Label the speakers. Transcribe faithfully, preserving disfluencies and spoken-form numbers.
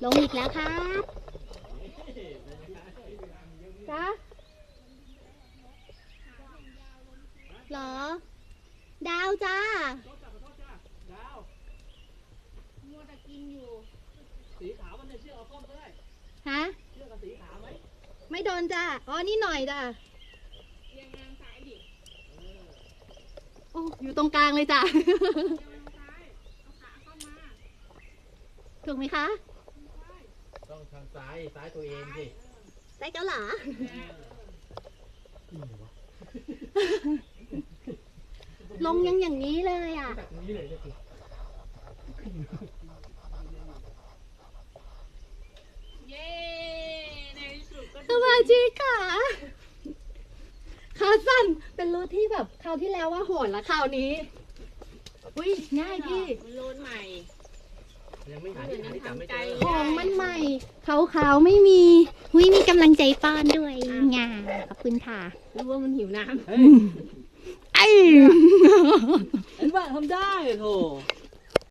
Speaker 1: ลงอีกแล้วครับจ้าเหรอดาวจ้า
Speaker 2: มัวแต่กินอยู่สีขาวมันจะเชือกเอาส้มก็ได้
Speaker 1: ฮะ
Speaker 2: เชือกกับสีขาวไหม
Speaker 1: ไม่โดนจ้าอ๋อนี่หน่อยจ้า
Speaker 2: เรียงรางซ้ายดิ
Speaker 1: โอ้อยู่ตรงกลางเลยจ้า
Speaker 2: เรียงรางซ้ายเอาขาเข้ามา
Speaker 1: ถูกไหมคะ
Speaker 2: ต้องทางซ้ายซ้ายตัวเองสิ
Speaker 1: ได้เกาหลาลงยังอย่างนี้เลยอ่ะ
Speaker 2: แบบนี้เลยก็คือเย้ในที่สุดก็
Speaker 1: สวัสดีค่ะขาสั้นเป็นรูทที่แบบคราวที่แล้วว่าโหดละคราวนี้อุ้ยง่ายพี่
Speaker 2: มันโลนใหม่ยังไม่หาที่หาที่จับไม่เจอ
Speaker 1: ของมันใหม่ขาวๆไม่มีหุ้ยมีกำลังใจป้อนด้วยงาขอบคุณค่ะ
Speaker 2: รู้ว่ามันหิวน้ำ
Speaker 1: ไอ้
Speaker 2: เห็นว่าทำได้โถ